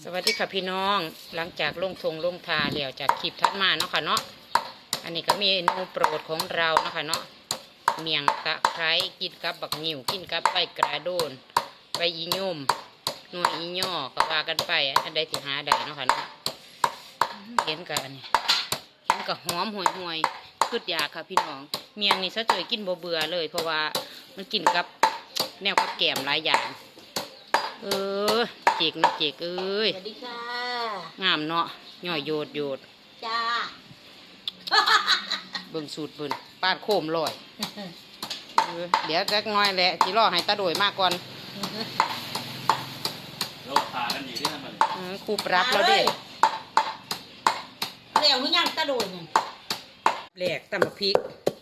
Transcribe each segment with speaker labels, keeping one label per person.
Speaker 1: สวัสดีค่ะพี่น้องหลังจากลงทงลงทาเดี่ยวจากคลิปทัดมาเนาะค่ะเนาะอันนี้ก็เมนูโปรดของเราเนาะค่ะเนาะเมี่ยงตะไคร้กินกับบักนิ่วกินกับใบกระโดนใบอียุ่มหน่วยอีย่อก็ว่ากันไปอันใดที่หาได้เนาะค่ะเนาะเห็นกันนี่เห็นกับหอมห่วยคืดยาค่ะพี่น้องเมี่ยงนี่ซะเจยกินบ่เบื่อเลยเพราะว่ามันกินกับแนวกับแกมหลายอย่างเจกนะเจกเอ้ย
Speaker 2: สวัสดีค่ะ
Speaker 1: งามเนาะย่อยโยด
Speaker 2: จ้า
Speaker 1: เบิ่งสูตรเบิ่นปาดโคมลอยเดี๋ยวจักน้อยแหละจีรอให้ตาโดยมากก่อน
Speaker 3: เราพากันอยู่ที่นั่นมาเลย
Speaker 1: ครูปรับเราดิ
Speaker 2: เร็วหรือยังตะโดยเนี่ย
Speaker 1: แหลกตำบักพริก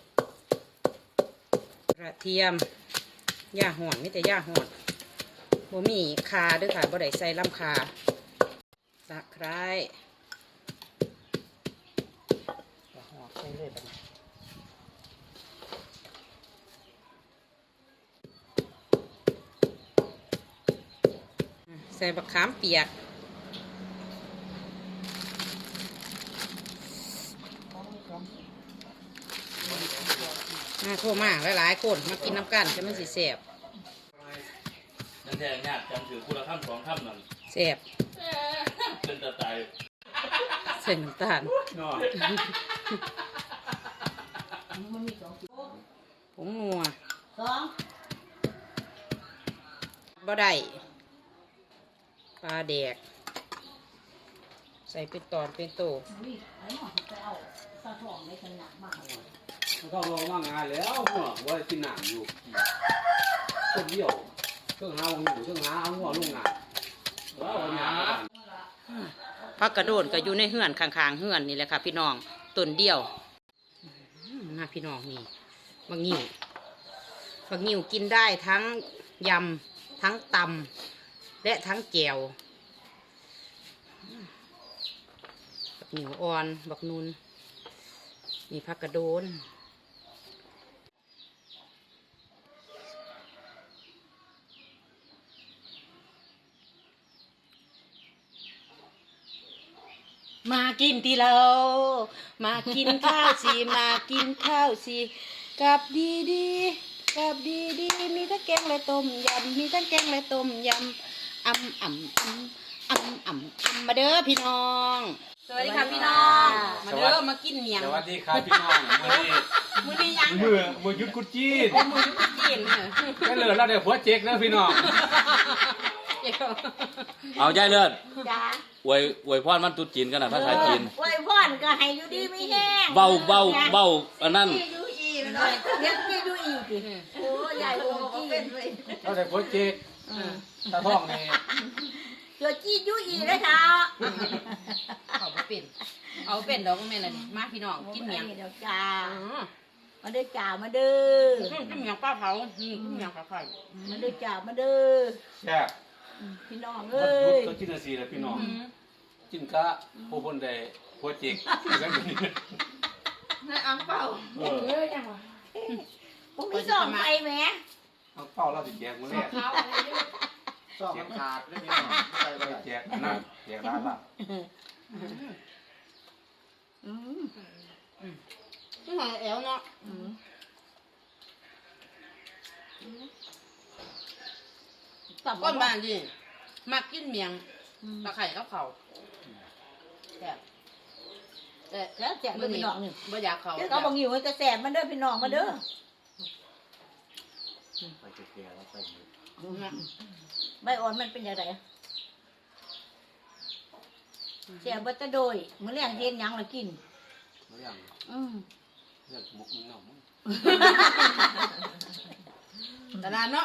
Speaker 1: กระเทียมย่าห่อนไม่แต่ย่าห่อนบ่มีคาด้วยค่ะบ่ได้ใส่ลำคาตะไคร้หอมใส่เลยบัดนี้ใส่บักขามเปียกโทรมาหลายๆคนมากินน้ำกันจะมันสิแสบ
Speaker 3: นั่นแท้ยากจำถือคุณละคำสองคำนั่น
Speaker 1: แสบ
Speaker 3: เป็นตาตาย
Speaker 1: เส้นน้ำตาล
Speaker 3: นอน
Speaker 1: ผงนัวบ่ได้ปลาแดกใส่เป็นตอนเป็นโต
Speaker 4: มันก็ลงว่างานแล้วหัวว่ากินหนังอยู่คนเดียวเครื่องหาวังอยู่เครื่องหาหัวลงงานแล้ววันนี้
Speaker 1: พักกระโดดก็อยู่ในเฮือนข้างๆเฮือนนี่แหละค่ะพี่น้องต้นเดียวมาพี่น้องนี่บักงิ้วกินได้ทั้งยำทั้งตำและทั้งแจ่วบักงิ้วอ่อนบักนุนนี่พักกระโดนมากินที่เรามากินข้าวสิมากินข้าวสิกับดีกับดีมีทั้งแกงและต้มยำมีทั้งแกงและต้มยำมาเด้อพี่น้องสวัสดีค่ะพี่น้องมาเด้อมากินเมียง
Speaker 4: สวัสดีครับพี่น้อง
Speaker 1: มือนี้ยัง
Speaker 4: มือยุดกุจีน
Speaker 1: มือยุดกุจีน
Speaker 4: ก็เลยเราเดี๋ยวหัวเจ๊กนะพี่น้อง
Speaker 3: เอาใจเลิศ
Speaker 2: จ้า
Speaker 3: อวยพรมันตุ๊จีนกันนะภาษาจีน
Speaker 2: อวยพรก็ให้อยู่ดีไม่แห้ง
Speaker 3: เบาอันนั้น
Speaker 2: อยู่อีกเลยยังอยู่อีกโอ้ใหญ่โอ้เป็นเลย
Speaker 4: เราเดี๋ยวหัวเจ๊กตาท้องนี่
Speaker 2: เดี๋ยวจี้อยู่อีกเลยค่ะ
Speaker 1: เอาเป็นดอกแม่ละนี่มาพี่น้องกินเมียง
Speaker 2: เดี๋ยวจ้ามาเด้อจ่ามาเด้อ
Speaker 1: กินเมียงปลาเผากินเมียงปลาไข่
Speaker 2: มาเด้อจ่ามาเด้อ
Speaker 4: แซ่บ
Speaker 2: พี่น้องเอ้ย
Speaker 4: ก็กินอะไรสิล่ะพี่น้องกินกะผู้คนใดหัวเจ๊ก
Speaker 1: นายอังเป่า
Speaker 2: ยังวะผมมีส่องไปไหม
Speaker 4: อังเป่าเราติดแจกมาเนี่ยส่องขาดไม่มีหรอกใส่ไปแจกนั่นแจกร้านละ
Speaker 1: นี่หอยแอวเนาะก้อนบานดิมักกินเมียงตะไคร่กับเขาแต่
Speaker 2: แล้วแจกเด้อพี่น้องนี่
Speaker 1: บ่อยากเขา
Speaker 2: ก็บางอยู่มันจะแสบมันเด้อพี่น้องมาเด้อ
Speaker 4: ไปเจ๊กแล้วไป
Speaker 2: ใบอ่อนมันเป็นยังไงแสบบัตรโดยมื้อแรกเย็นยังละกิน
Speaker 4: มื้อยังเรื่องมุกมึงเนาะ
Speaker 1: ตลาดเนาะ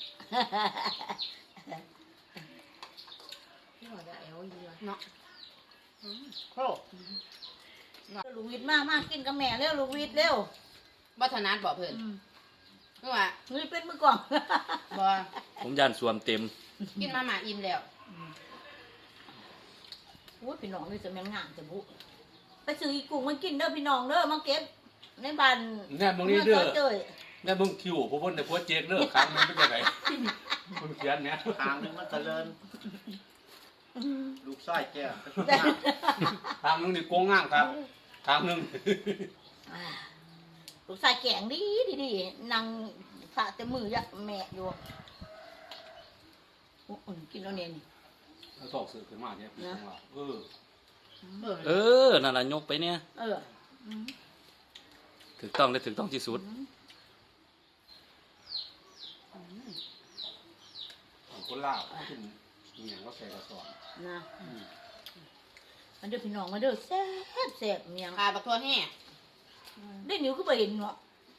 Speaker 1: เนาะโค
Speaker 2: ลูกวิทย์มากกินกับแม่เร็วลูกวิทย์เร็ว
Speaker 1: บัฒนัดบอกเพิ่นเมื่อวาน
Speaker 2: นี่เป็นมือกล่อง
Speaker 1: บ่
Speaker 3: ผมยันสวมเต็ม
Speaker 1: กินมาหมาอิ่มแล้ว
Speaker 2: โอ้พี่น้องนี่จะแม่งงานจะบุไปซื้ออีกุ้งมันกินเด้อพี่น้องเด้อมาเก็บในบ้าน
Speaker 4: แน่มึงนี่เด้อแน่มึงคิวพวกคนแต่พวกเจ๊กเด้อครั้งนึงเป็นยังไงมึงเขียนเนี่ย
Speaker 5: ทางนึงมันเจริญลูกไส้แก้ว
Speaker 4: ทางนึงนี่โกงง่างครับทางนึง
Speaker 2: ลูกชายแกงดีนางสะแต่มือยะแม่อยู่กินแล้วเนี่ยนี่
Speaker 4: เอาตอกสื่อขึ้นมาเนี่ยพี่ของเรา
Speaker 1: เออนั่นล่ะยกไปเนี่ย
Speaker 2: เออ
Speaker 1: ถูกต้องและถูกต้องที่สุด
Speaker 4: คนลาวขึ้นอย่างก็ใส่กระสอบ
Speaker 2: นะมันเด้อพี่น้องมาเด้อแซ่บแซ่บเมียง
Speaker 1: ขาบักทั่วแห่
Speaker 2: ได้นิ้วก็ไปเห็นเนาะ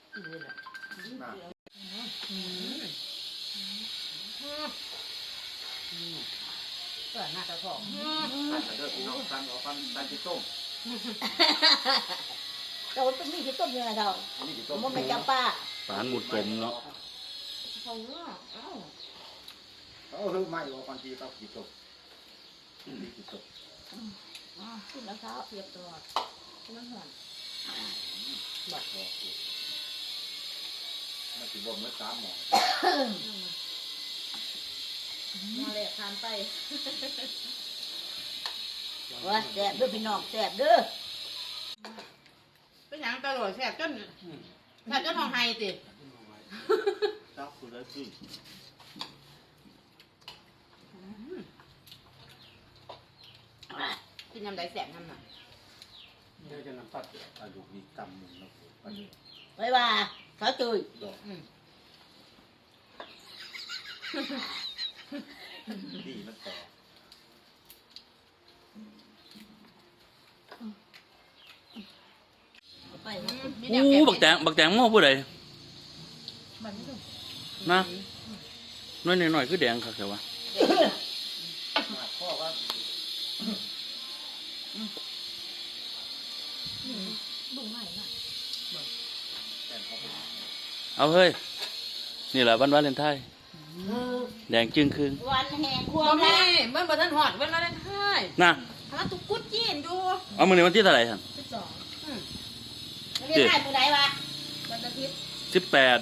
Speaker 1: เปิดหน้าตาทอง
Speaker 5: เด้อพี่น้องฟันเอาฟันฟันที่ต้ม
Speaker 2: เราต้องมีที่ต้มยังไงเรา
Speaker 5: นี่ที่
Speaker 2: ผ
Speaker 5: ต้ม
Speaker 2: มว่าไม่จำป้า
Speaker 1: ปานหมุดกลมเนาะ
Speaker 2: เขาเนาะเอ้า
Speaker 5: เขาเฮ้ยไม่เอาฟันที่เขาที่ต้มนี่ที่ต้ม
Speaker 2: ขึ้นแล้วเช้าเปียกตัวมันหอน
Speaker 5: บัดคอมันสิบ่เมื่อ3หมอ
Speaker 2: มาเลยทานไปว่าแซ่บเด้อพี่น้องแซ่บเด้อ
Speaker 1: เป็นหยังตลอดแซ่บจนห้องไห้ติ
Speaker 5: จับผู้ใดสิ
Speaker 1: กินยำใดแซ่บนำน่ะ
Speaker 4: เดี๋ยวจะนำตัดอายุมีกรรมหนึ่งนะ
Speaker 2: ไว้ว่าเขาจุย
Speaker 5: ดอกดีมันต่อ
Speaker 2: ไป
Speaker 1: อู้บักแตงโม่ผู้ใด
Speaker 2: มันไม่ต้อง
Speaker 1: นะน้อยหน่อยคือแดงคักแต่ว่า
Speaker 5: มาพ่อว่า
Speaker 2: บุ้งใหม่น่ะ
Speaker 5: แต่เขาเป็น
Speaker 1: เอาเฮ้ยนี่แหละวันวาเลนไทน์แดงจึงครึ่ง
Speaker 2: วันแห่งควา
Speaker 6: บ่
Speaker 2: ม
Speaker 6: แม่
Speaker 2: รัก
Speaker 6: เมื่อบ่ทันฮอดวันวาเลนไทน์
Speaker 1: นะ
Speaker 6: หาตุกกุดจีนอยู่
Speaker 1: เอามื้อนี้วันที่เท่าไหร่ท่าน
Speaker 2: เรียกได้มือไหนวะ
Speaker 6: วันอาทิตย์
Speaker 1: 18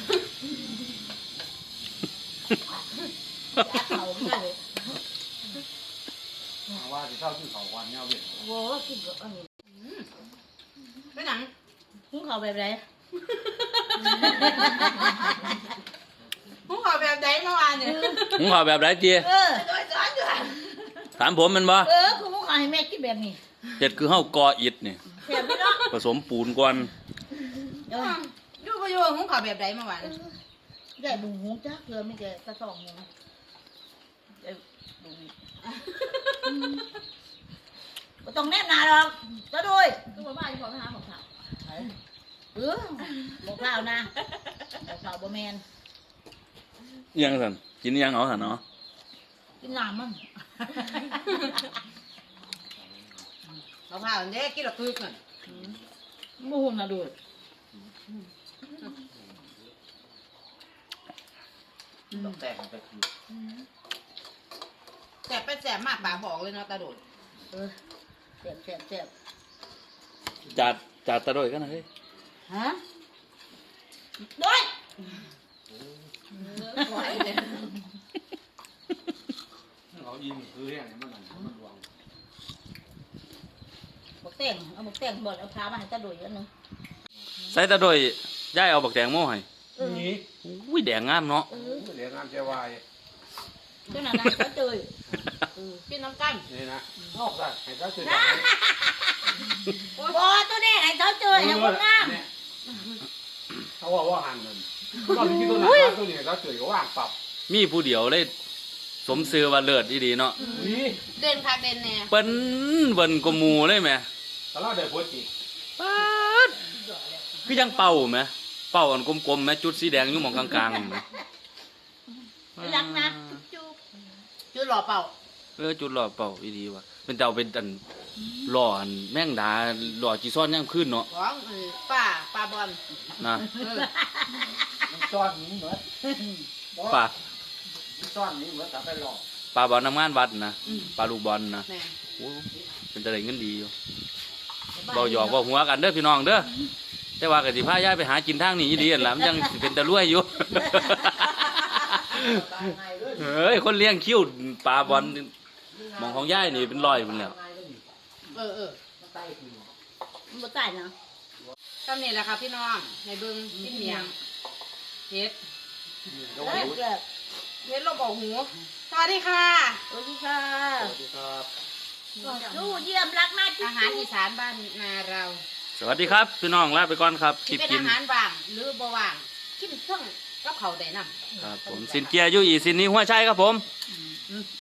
Speaker 2: รักเขาไม่ได้เลย
Speaker 4: ว่าจะเท่าที่เขาวันเนี่ยเวียน
Speaker 2: โว้กินกับอันนี้
Speaker 6: เป็นหยัง
Speaker 2: หุงเขาแบบไหน
Speaker 6: ผู้ขอแบบใดเมื่อวานเนี่ย
Speaker 1: ผมขอแบบไรเจีย
Speaker 2: เออ
Speaker 6: โดยสอนอยู่หั่น
Speaker 1: ถามผมแมันบ่
Speaker 2: คือหุงเขาให้แม่กินแบบนี้
Speaker 1: เฮ็ดคือเฮากออิฐนี่
Speaker 2: เสียบพี่น้อง
Speaker 1: ผสมปูนก่อน
Speaker 2: เออ
Speaker 6: อยู่บ่อยู่ผู้ขอแบบใดเมื่อวาน
Speaker 2: ใหญ่บุ้งหุงจ้าเกลือไม่แก่กระสองหุงใหญ่บุ้งก็ต้องแนบหนาหรอกก็ด้วย
Speaker 6: ก็บ่มาอยู่พอไปหาของเขา
Speaker 2: บอกเล่านะบอกเล่าบ่แมน
Speaker 1: อิหยังซั่นกินอิหยังเอาซั่นเนาะ
Speaker 2: กินน้ำมัน
Speaker 6: เขาพาเด้กินละคึกนั่น
Speaker 2: มูหุ่นนะดู
Speaker 5: ต้องแต่งมันไปคือ
Speaker 6: แสบไปแสบมากปากบอกเลยเนาะตาโดด
Speaker 2: เจ็บเจ็บเจ็บ
Speaker 1: จัดตะโดยกันนะเฮ้ย
Speaker 2: ฮะด้วย
Speaker 6: ไหวเลย
Speaker 4: เขายิงคือเรื่องนี้มันรวง
Speaker 2: บอกแต่งเอาบอกแต่งบดเอาพามาให้ตาดุยอันนึง
Speaker 1: ใส่ตะโดยย้ายเอาบักแตงโม่ให้
Speaker 4: นี่
Speaker 1: อุ้ยแดงงามเนาะ
Speaker 4: เรียนงานเจ้าวาย
Speaker 2: เจ้าหน้าที่เขาเจย
Speaker 6: กินน้ำกัน
Speaker 4: นี่นะนอกจากให้เขาสื่อ
Speaker 2: บอตัวนี้ให้เขาเจยให้คนงาม
Speaker 4: เขาว่าหันนั่นก็มีตัวนั้นตัวนี้เขาสื่อว่างปรับ
Speaker 1: มีผู้เดียวเลยสมซื้อว่าเลิศอีดีเนาะ
Speaker 4: นี่
Speaker 6: เด่นคักเด่นแน่
Speaker 1: เปิ้นเบิ่นกว่าหมู่เลยแหม
Speaker 4: ตลอดเดือดปวดจิต
Speaker 1: ป๊าดคือยังเป่าแหมเป่าอันกลมๆแหมจุดสีแดงอยู่หม่องกลางๆนี่แหม
Speaker 2: รักนะจุ๊บ
Speaker 6: จุดหล่อเป่า
Speaker 1: จุดหล่อเป่าอีดีว่ะเป็นเจ้าเป็นอันหล่ออันแม่งดาหล่อจีซ่อนย่างขึ้นเนาะ
Speaker 6: ของป้าบอล
Speaker 1: นะ
Speaker 5: มันซ่อนนี้เหมือน
Speaker 1: ป่า
Speaker 5: ซ่อนนี้เหมือนกับไปหลอก
Speaker 1: ป่าบอลทำงานวัดนะป่าลูกบอลนะ
Speaker 6: แม่
Speaker 1: โอ้เป็นตะไดเงินดีอยู่เบาหยอกเบาหัวกันเด้อพี่น้องเด้อแต่ว่ากสิพาย่ายไปหากินทางนี้อีดีอันละมันยังสิเป็นตะลุ่ยอยู่ เฮ้ยคนเลี้ยงคิ้วปลาบอล
Speaker 3: มองของย่ายนี่เป็นรอยเป็นแล้ว
Speaker 1: เออ
Speaker 2: มันบ่ตายนะ
Speaker 1: ตอนนี้แหละค่ะพี่น้องในเบิ้งกินเมียงเฮ็ด
Speaker 2: เลิกเลิก
Speaker 1: เฮ็ดลบออกหูสวัสดีค่ะ
Speaker 2: สวัสดีค่ะ
Speaker 5: สวัสดีครับ
Speaker 2: ดูเยี่ยมรักมาก
Speaker 1: อาหารอีสานบ้านนาเรา
Speaker 3: สวัสดีครับพี่น้องลาไปก่อนครับคลิ
Speaker 1: ที่
Speaker 3: ป
Speaker 1: เป็น
Speaker 3: กิน
Speaker 1: อาหารว่างหรือบ่ว่างกินเครื่องกับเขาวได้นำ
Speaker 3: ครับผมสินเกียร์อยู่อีสินนี้หัวใจครับผม